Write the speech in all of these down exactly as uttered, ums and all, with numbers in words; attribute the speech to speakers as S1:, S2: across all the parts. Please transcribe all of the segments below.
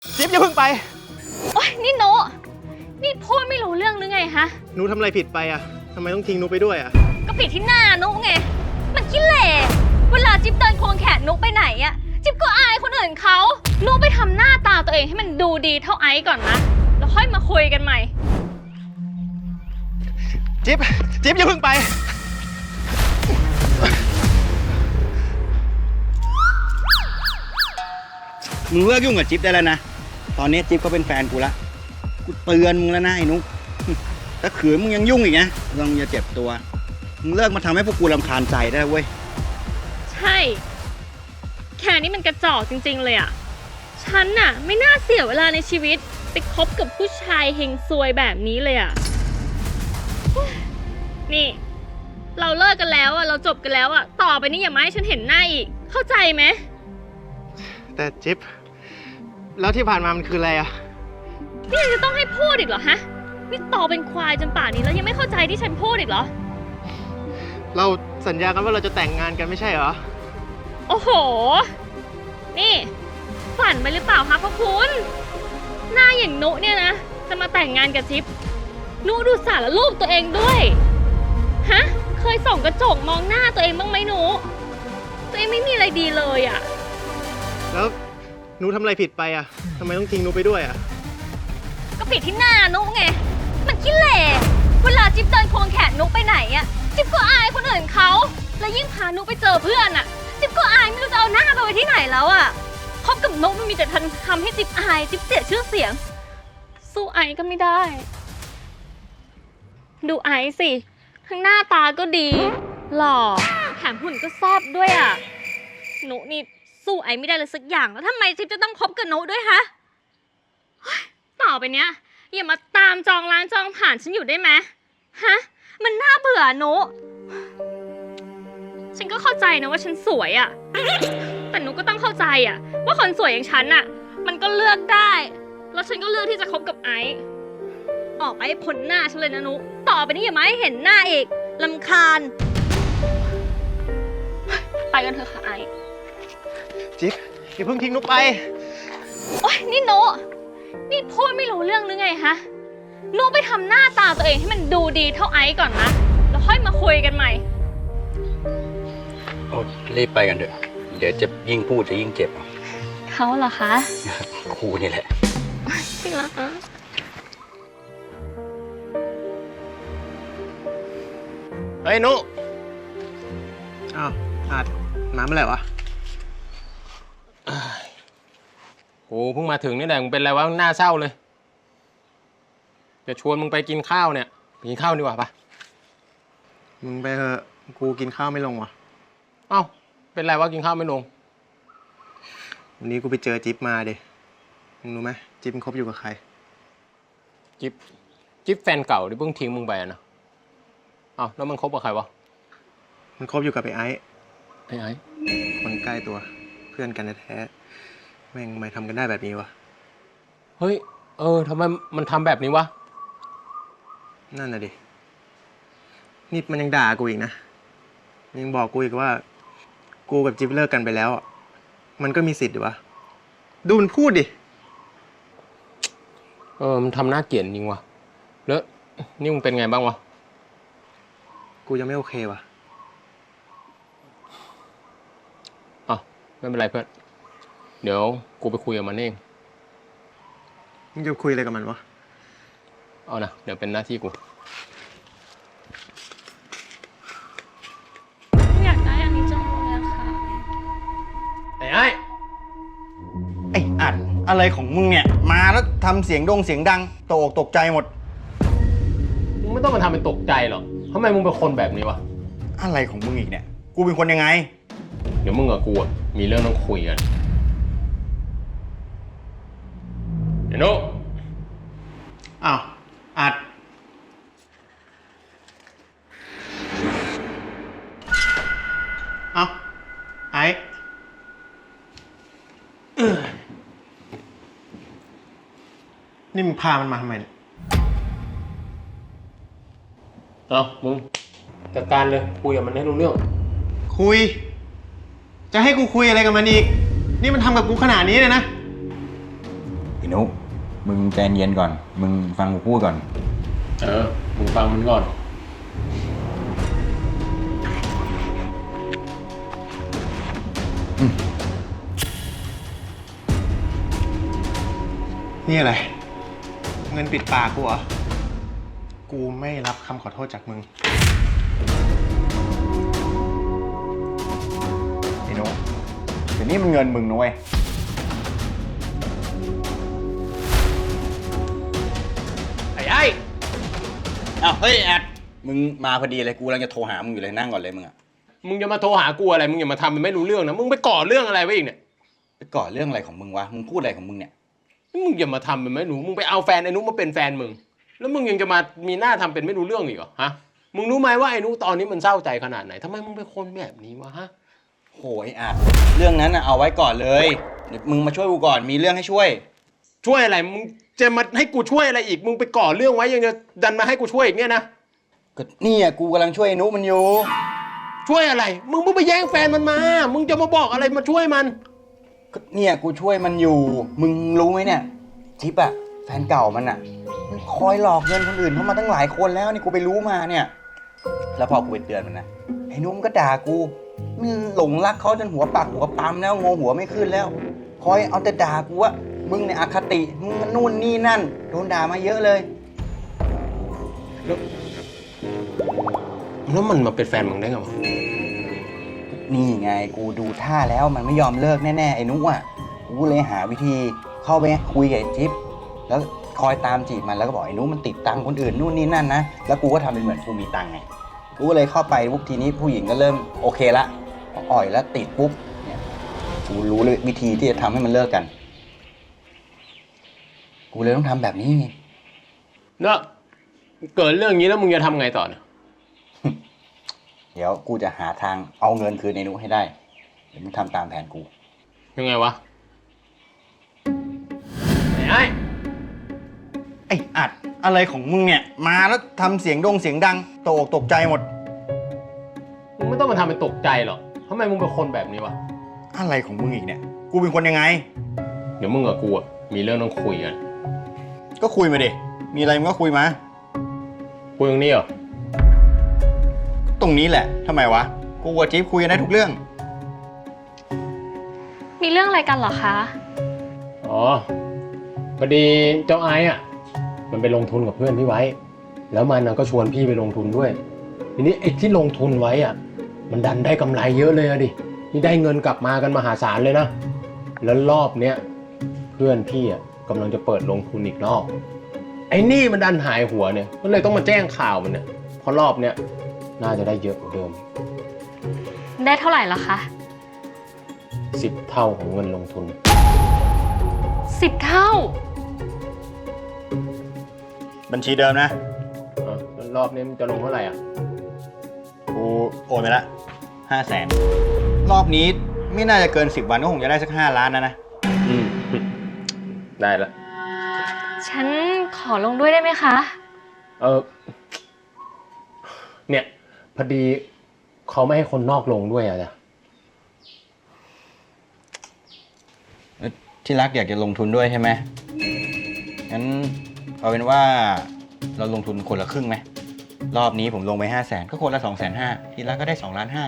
S1: จิ๊บอย่าเพิ่งไป
S2: โอ๊ยนี่โนนี่พูดไม่รู้เรื่องหรือไงฮะ
S1: หนูทำอะไรผิดไปอ่ะทำไมต้องทิ้งหนูไปด้วยอ่ะ
S2: ก็ผิดที่หน้านุไงมันขี้เหร่เวลาจิ๊บเดินควงแขนนุไปไหนอะจิ๊บก็อายคนอื่นเขานุไปทำหน้าตาตัวเองให้มันดูดีเท่าไอซ์ก่อนนะแล้วค่อยมาคุยกันใหม่
S1: จิ๊บจิ๊บอย่าเพิ่งไป
S3: มึงเลิกยุ่งกับจิ๊บได้แล้วนะตอนนี้จิ๊บก็เป็นแฟนกูละกูเตือนมึงแล้วนะไอ้นุ๊กถ้าขืนมึงยังยุ่งอีกนะลองอย่าเจ็บตัวมึงเลิกมาทำให้พวกกูรำคาญใจได้เว้ย
S2: ใช่แค่นี้มันกระจอกจริงๆเลยอะฉันน่ะไม่น่าเสียเวลาในชีวิตไปคบกับผู้ชายเฮงซวยแบบนี้เลยอะนี่เราเลิกกันแล้วอะเราจบกันแล้วอะต่อไปนี้อย่ามาให้ฉันเห็นหน้าอีกเข้าใจไหม
S1: แต่จิ๊บแล้วที่ผ่านมามันคืออะไรอ่ะ
S2: นี่ยังจะต้องให้พูดอีกเหรอฮะนี่โตเป็นควายจนป่านนี้แล้วยังไม่เข้าใจที่ฉันพูดอีกเหรอ
S1: เราสัญญากันว่าเราจะแต่งงานกันไม่ใช่เหรอ
S2: โอ้โหนี่ฝันไปหรือเปล่าคะพ่อคุณหน้าอย่างนุเนี่ยนะจะมาแต่งงานกับจิ๊บนุดูสารรูปตัวเองด้วยฮะเคยส่องกระจกมองหน้าตัวเองบ้างไหมนุตัวเองไม่มีอะไรดีเลยอะ
S1: แล้วหนูทำอะไรผิดไปอ่ะทำไมต้องทิ้งหนูไปด้วยอ่ะ
S2: ก็ผิดที่หน้านุไงมันขี้เหร่เวลาจิ๊บเดินควงแขนนุไปไหนอะจิ๊บก็อายคนอื่นเขาแล้วยิ่งพานุไปเจอเพื่อนอะจิ๊บก็อายไม่รู้จะเอาหน้าไปไว้ที่ไหนแล้วอะคบกับนุมันมีแต่ทำให้จิ๊บอายจิ๊บเสียชื่อเสียงสู้ไอก็ไม่ได้ดูไอสิทั้งหน้าตาก็ดีหล่อแถมหุ่นก็แซ่บด้วยอะนุนี่สู้ไอไม่ได้เลยสักอย่างแล้วทำไมจิ๊บจะต้องคบกับนุด้วยฮะต่อไปเนี้ยอย่ามาตามจองร้านจองผ่านฉันอยู่ได้ไหมฮะมันน่าเบื่อนุฉันก็เข้าใจนะว่าฉันสวยอะแต่นุก็ต้องเข้าใจอะว่าคนสวยอย่างฉันอะมันก็เลือกได้แล้วฉันก็เลือกที่จะคบกับไอซ์ออกไปให้พ้นหน้าฉันเลยนะนุต่อไปนี้อย่ามาให้เห็นหน้าอีกรำคาญไปกันเถอะค่ะไอซ์
S1: จิ๊บอย่าเพิ่งทิ้งหนูไป
S2: โอ๊ยนี่นุนี่พูดไม่รู้เรื่องหรือไงฮะนุไปทำหน้าตาตัวเองให้มันดูดีเท่าไอซ์ก่อนนะแล้วค่อยมาคุยกันใหม่
S3: โอ้รีบไปกันเถอะเดี๋ยวจะยิ่งพูดจะยิ่งเจ็บ
S2: เขาเหรอคะ
S3: ครูนี่แหละ
S2: จริงเหรอคะ
S1: เฮ้ยนุอ้าวอาดมาเมื่อไหร่วะ
S4: โอ้เพิ่งมาถึงนี่แหละมึงเป็นอะไรวะหน้าเศร้าเลยจะชวนมึงไปกินข้าวเนี่ยไปกินข้าวดีกว่าปะ
S1: มึงไปเถอะกูกินข้าวไม่ลงวะ
S4: เอ้าเป็นไรวะกินข้าวไม่ลง
S1: วันนี้กูไปเจอจิ๊บมาดิมึงรู้ไหมจิ๊บมันคบอยู่กับใคร
S4: จิ๊บจิ๊บแฟนเก่าที่เพิ่งทิ้งมึงไปนะเอ้าแล้วมันคบกับใครวะ
S1: มันคบอยู่กับไอ้ไอ้
S4: ไอ้ไอ้
S1: คนใกล้ตัวเพื่อนกันแท้แม่งทำไมทำกันได้แบบนี้วะ
S4: เฮ้ยเออทำไมมันทำแบบนี้วะ
S1: นั่นน่ะดินี่มันยังด่ากูอีกนะยังบอกกูอีกว่ากูกับจิ๊บเลิกกันไปแล้วมันก็มีสิทธิ์ดิวะดูมันพูดดิ
S4: เออมันทำหน้าเกลียดจริงวะแล้วนี่มึงเป็นไงบ้างวะ
S1: กูยังไม่โอเควะ
S4: อ๋อไม่เป็นไรเพื่อนเดี๋ยวกูไปคุยกับมันเอง
S1: มึงจะคุยอะไรกับมันวะ
S4: เอานะเดี๋ยวเป็นหน้าที่กู
S2: อยากได้อันนี้จังเลยอะค่ะ
S4: ไอ้ไอ้
S3: ไอ้อัดอะไรของมึงเนี่ยมาแล้วทำเสียงดงเสียงดังตกอกตกใจหมด
S4: มึงไม่ต้องมาทำเป็นตกใจหรอกทำไมมึงเป็นคนแบบนี้วะ
S3: อะไรของมึงอีกเนี่ยกูเป็นคนยังไง
S4: เดี๋ยวมึงกับกูมีเรื่องต้องคุยกันเดี๋ยวนุ๊ก
S1: อ้าวอัดเอาไอ้นี่มึงพามันมาทำไมเนี่ย
S4: เอามึงจัดการเลยคุยกับมันให้รู้เรื่อง
S1: คุยจะให้กูคุยอะไรกับมันอีกนี่มันทำกับกูขนาดนี้เลยนะ
S3: ไอ้นุมึงใจเย็นก่อนมึงฟังกูพูดก่อน
S4: เออ มึงฟังมันก่อน
S1: นี่อะไร เงินปิดปากกูเหรอ กูไม่รับคำขอโทษจากมึง
S3: ไอ้นุเดี๋ยวนี้มันเงินมึงนะเว้ย
S4: ไอ้ไอ้
S3: อ้าวเฮ้ยแอดมึงมาพอดีเลยกูกำลังจะโทรหามึงอยู่เลยนั่งก่อนเลยมึงอะ
S4: มึงจะมาโทรหากูอะไร มึงอย่ามาทำมันไม่รู้เรื่องนะ มึงไปก่อเรื่องอะไรไว้อีกเนี่ย
S3: ไปก่อเรื่องอะไรของมึงวะมึงพูดอะไรของมึงเนี่ย
S4: มึงอย่ามาทำเป็นไม่รู้ มึงไปเอาแฟนไอ้นุมาเป็นแฟนมึง แล้วมึงยังจะมามีหน้าทำเป็นไม่รู้เรื่องอีกเหรอฮะ มึงรู้ไหมว่าไอ้นุตอนนี้มันเศร้าใจขนาดไหนทำไมมึงเป็นคนแบบนี้วะฮะ
S3: โหยแอดเรื่องนั้นอะเอาไว้ก่อนเลยเดี๋ยวมึงมาช่วยกูก่อนมีเรื่องให้ช่วย
S4: ช่วยอะไร มึงจะมาให้กูช่วยอะไรอีก มึงไปก่อเรื่องไว้ยังจะดันมาให้กูช่วยอีกเนี่ยนะ
S3: ก็เนี่ยกูกำลังช่วยไอ้นุมันอยู่
S4: ช่วยอะไร มึงเพิ่งไปแย่งแฟนมันมา มึงจะมาบอกอะไรมาช่วยมัน
S3: ก็เนี่ยกูช่วยมันอยู่ มึงรู้ไหมเนี่ยจิ๊บอะแฟนเก่ามันอะมันคอยหลอกเงินคนอื่นเข้ามาตั้งหลายคนแล้วนี่กูไปรู้มาเนี่ย แล้วพอกูไปเตือนมันนะไอ้นุ่มก็ด่ากูมันหลงรักเขาจนหัวปักหัวปั๊มแล้วงงหัวไม่ขึ้นแล้ว คอยเอาแต่ด่ากูว่ามึงเนี่ยอคติมึงมันนู่นนี่นั่นโดนด่ามาเยอะเลย
S4: แล้วมันมาเป็นแฟนมึงได้ไงวะ
S3: นี่ไงกูดูท่าแล้วมันไม่ยอมเลิกแน่ๆไอ้นุ๊กอ่ะกูเลยหาวิธีเข้าไปคุยกับไอ้จิ๊บแล้วคอยตามจีบมันแล้วก็บอกไอ้นุ๊กมันติดตังค์คนอื่นนู่นนี่นั่นนะแล้วกูก็ทำเป็นเหมือนกูมีตังค์ไงกูก็เลยเข้าไปปุ๊บทีนี้ผู้หญิงก็เริ่มโอเคละพออ่อยแล้วติดปุ๊บเนี่ยกูรู้เลยวิธีที่จะทำให้มันเลิกกัน กูเลยต้องทำแบบนี้ไง
S4: แล้วเกิดเรื่องนี้แล้วมึงจะทำไงต่อเนี่ย
S3: เดี๋ยวกูจะหาทางเอาเงินคืนไอ้นุ๊กให้ได้เดี๋ยวมึงทำตามแผนกู
S4: ยังไงวะ ไอ้
S3: ไอ้อัดอะไรของมึงเนี่ยมาแล้วทำเสียงดงเสียงดังตกอกตกใจหมด
S4: มึงไม่ต้องมาทำเป็นตกใจหรอกทำไมมึงเป็นคนแบบนี้วะ
S3: อะไรของมึงอีกเนี่ยกูเป็นคนยังไง
S4: เดี๋ยวมึงกับกูอะมีเรื่องต้องคุยกัน
S3: ก็คุยมาดิมีอะไรมึงก็คุยมา
S4: คุยตรงนี้เหรอ
S3: ตรงนี้แหละทำไมวะกูกับจิ๊บคุยกันได้ทุกเรื่อง
S2: มีเรื่องอะไรกันเหรอคะ
S4: อ๋อ พอดีเจ้าไอ้อะมันไปลงทุนกับเพื่อนพี่ไว้ แล้วมันก็ชวนพี่ไปลงทุนด้วย ทีนี้ไอ้ที่ลงทุนไว้อะมันดันได้กำไรเยอะเลยอะดิ นี่ได้เงินกลับมากันมหาศาลเลยนะ แล้วรอบเนี้ยเพื่อนพี่อะกำลังจะเปิดลงทุนอีกรอบ ไอ้นี่มันดันหายหัวเนี่ย ก็เลยต้องมาแจ้งข่าวมันเนี่ย เพราะรอบเนี้ยน่าจะได้เยอะกว่าเดิม
S2: ได้เท่าไหร่ละคะ
S4: สิบเท่าของเงินลงทุน
S2: สิบเท่า
S3: บัญชีเดิมนะ
S4: อ่ะแล้วรอบนี้มันจะลงเท่าไหร่อ่ะ
S3: กูโอนไปละห้าแสนรอบนี้ไม่น่าจะเกินสิบวันก็คงจะได้สักห้าล้านนะนะ
S4: อืม ได้ละ
S2: ฉันขอลงด้วยได้ไหมคะ
S4: เออ เนี่ย พอดีเขาไม่ให้คนนอกลงด้วยอ่ะจ้ะ
S3: ที่รักอยากจะลงทุนด้วยใช่ไหมงั้นเอาเป็นว่าเราลงทุนคนละครึ่งไหมรอบนี้ผมลงไปห้าแสนก็คนละสองแสนห้าที่รักก็ได้สองล้านห้า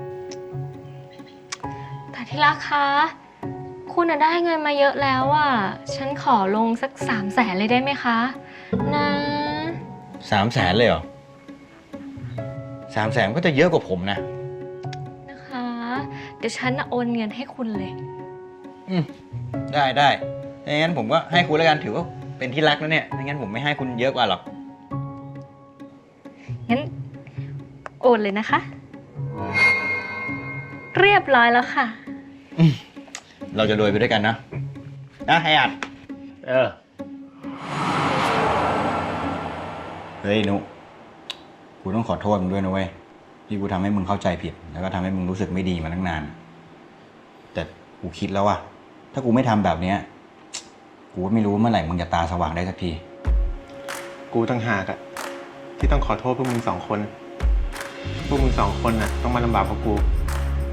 S2: แต่ที่รักคะ คุณน่ะได้เงินมาเยอะแล้วอ่ะ ฉันขอลงสักสามแสนเลยได้ไหมคะ นะ
S3: สามแสนเลยเหรอสามแสนก็จะเยอะกว่าผมนะ
S2: นะคะ เดี๋ยวฉันน่ะโอนเงินให้คุณเลย
S3: อืมได้ได้ถ้างั้นผมก็ให้คุณแล้วกันถือว่าเป็นที่รักแล้วเนี่ยไม่งั้นผมไม่ให้คุณเยอะกว่าหรอก
S2: งั้นโอนเลยนะคะ เรียบร้อยแล้วค่ะ
S3: เราจะรวยไปด้วยกันนะนะไอ้อัด
S4: เออ
S3: เฮ้ยนุกูต้องขอโทษมึงด้วยนะเว้ยที่กูทำให้มึงเข้าใจผิดแล้วก็ทำให้มึงรู้สึกไม่ดีมาตั้งนานแต่กูคิดแล้วว่าถ้ากูไม่ทำแบบเนี้ยกูก็ไม่รู้เมื่อไหร่มึงจะตาสว่างได้สักที
S1: กูต่างหากอะที่ต้องขอโทษพวกมึงสองคน พวกมึงสองคนน่ะต้องมาลำบากเพราะกู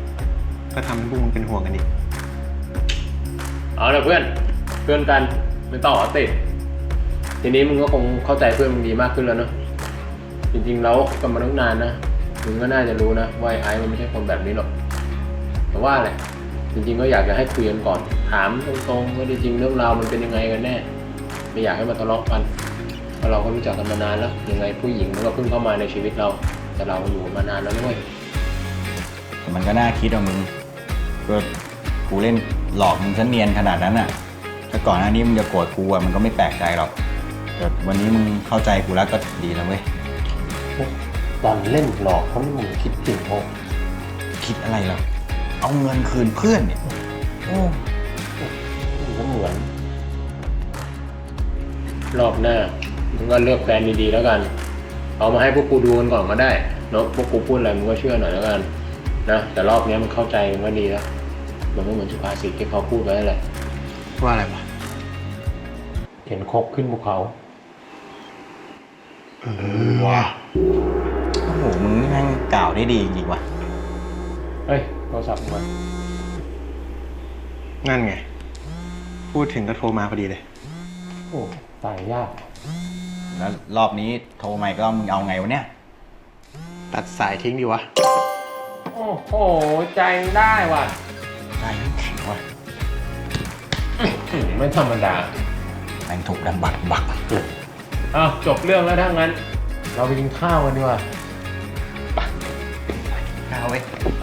S1: ก็ทำให้พวกมึงเป็นห่วงกันอีก
S4: เอาละเพื่อน เพื่อนกัน ไไม่ต่อติดทีนี้มึงก็คงเข้าใจเพื่อนมึงดีมากขึ้นแล้วเนาะจริงๆแล้วกันมาตั้งนานนะมึงก็น่าจะรู้นะว่าไอ้มันไม่ใช่คนแบบนี้หรอกแต่ว่าแหละจริงๆก็อยากจะให้คุยกันก่อนถามตรงๆว่าจริงๆเรื่องราวมันเป็นยังไงกันแน่ไม่อยากให้มาทะเลาะกันเพราะเราก็รู้จักกันมานานแล้วยังไงผู้หญิงมันก็เพิ่งเข้ามาในชีวิตเราแต่เราอยู่มานานแล้วด้วย
S3: มันก็น่าคิดว่ามึงก็กูเล่นหลอกมึงซะเนียนขนาดนั้นอ่ะถ้าก่อนหน้านี้มึงจะโกรธกูอ่ะมันก็ไม่แปลกใจหรอกแต่วันนี้มึงเข้าใจกูแล้วก็ดีแล้วเว้ย
S4: ตอนเล่นหลอกเขาไม่มึงคิดจริงโอ้
S3: คิดอะไรหรอกเอาเงินคืนเพื่อนเนี่ยโอ้
S4: มันก็เหมือน รอบหน้ามึงก็เลือกแฟนดีๆแล้วกันเอามาให้พวกกูดูกันก่อนก็ได้เนาะพวกกูพูดอะไรมึงก็เชื่อหน่อยแล้วกันนะแต่รอบนี้มันเข้าใจมันก็ดีแล้วมันก็เหมือนสุภาษิตที่เขาพูดไว้แหละ
S1: ว่าอะไรวะ
S4: เห็นคกขึ้นภูเขา
S1: เออว่ะ
S3: โอ้โหมึงนี่แม่งกล่าวได้ดีจริงๆว่ะ
S4: เฮ้ยโทรศัพท์มึงมา
S1: นั่นไง พูดถึงก็โทรมาพอดีเลย
S4: โอ้ตายยาก
S3: แล้วรอบนี้โทรมาอีกรอบมึงเอาไงวะเนี่ย
S1: ตัดสายทิ้งดีวะ
S4: โอ้โหใจได้ว่ะ
S3: ได้แข็งว่ะ
S4: ไม่ธรรมดา
S3: แม่งถูกดันบักบัก
S4: อ้าวจบเรื่องแล้วถ้างั้น เราไปกินข้าวกันดีกว่า
S3: ข้าวเว้ย